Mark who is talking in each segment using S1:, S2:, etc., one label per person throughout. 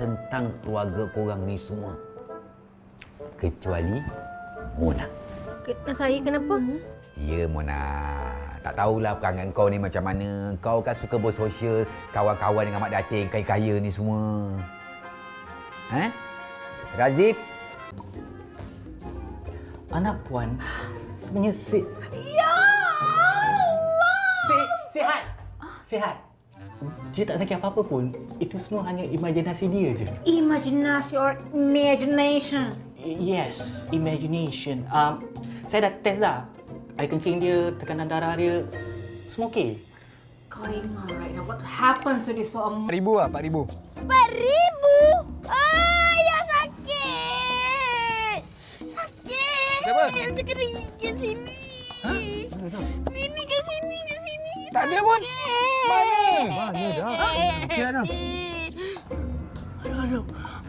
S1: tentang keluarga korang ni semua. Kecuali Mona.
S2: Saya kenapa?
S1: Ya, Mona. Tak tahulah perangai kau ni macam mana. Kau kan suka bersosial, kawan-kawan dengan Mak Datin, kaya-kaya ni semua. Razif?
S3: Anak puan sebenarnya
S2: Ya Allah!
S3: Sihat. Dia tak sakit apa-apa pun. Itu semua hanya imajinasi dia je.
S2: Imaginasi or imagination?
S3: Yes, imagination. Saya dah test dah. Air kencing dia, tekanan darah dia, semua okey.
S2: Kau ingat right now what happened to this so
S4: RM4,000 lah, RM4,000.
S2: RM4,000? Ya sakit! Sakit!
S4: Siapa?
S2: Macam kering kat sini. Ini kat sini.
S4: Tak ada pun. Mana dah? Okey, Adam.
S2: Aduh.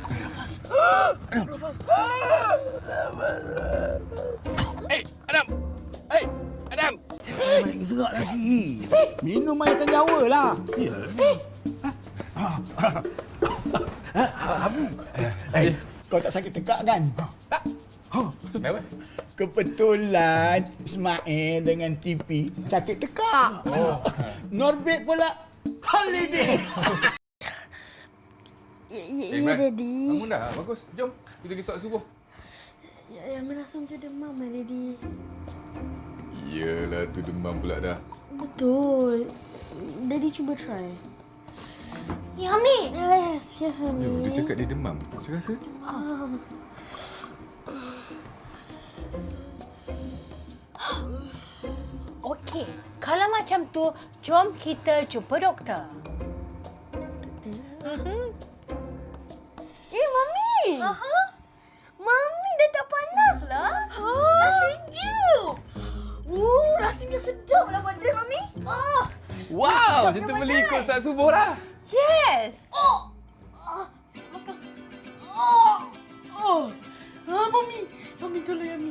S4: Adam! Adam!
S5: Baik gerak lagi. Minum air senjawa lah. Ya. Kau tak sakit tekak kan? Tak.
S4: Kenapa?
S5: Kebetulan Ismail dengan TP sakit tekak. Norbit pula holiday.
S2: Ya, Daddy.
S4: Bangun dah. Bagus. Jom. Kita pergi solat subuh.
S2: Ya, merasa macam demam, Daddy.
S4: Yelah, tu demam pula dah.
S2: Betul. Daddy cuba try. Yummy! Yes, Yummy.
S4: Yo, dia cakap dia demam. Saya rasa.
S6: Okey, kalau macam tu, jom kita jumpa doktor.
S2: Mami! Mami dah tak panas lah. Dah sejuk. Rasanya sedap lah badan Mami.
S4: Wow, macam tu boleh ikut solat subuh lah.
S6: Yes!
S2: Mami tolong Mami.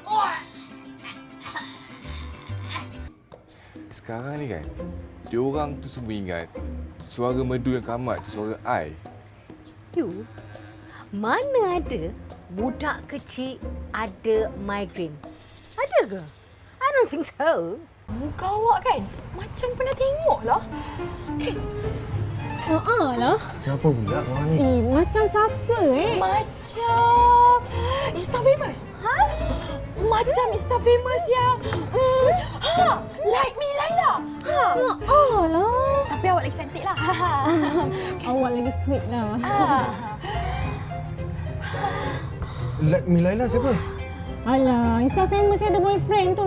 S4: Sekarang ni kan, diorang tu semua ingat suara merdu yang kamat tu suara I.
S6: You, mana ada budak kecil ada migraine? Ada ke? I don't think so.
S2: Muka awak kan macam pernah tengok lah. Kan?
S7: lah.
S1: Siapa pula korang ni?
S7: Macam siapa
S2: Macam Insta famous. Macam Insta famous yang Like Me Laila.
S7: lah.
S2: Tapi awak lagi cantik lah.
S7: Awak lagi sweet lah.
S4: Like Me Laila siapa?
S7: Alah, Insta famous ada boyfriend tu.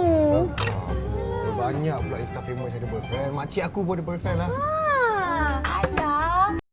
S4: Banyak pula Insta famous ada boyfriend. Makcik aku pun ada boyfriend lah.
S2: Alah,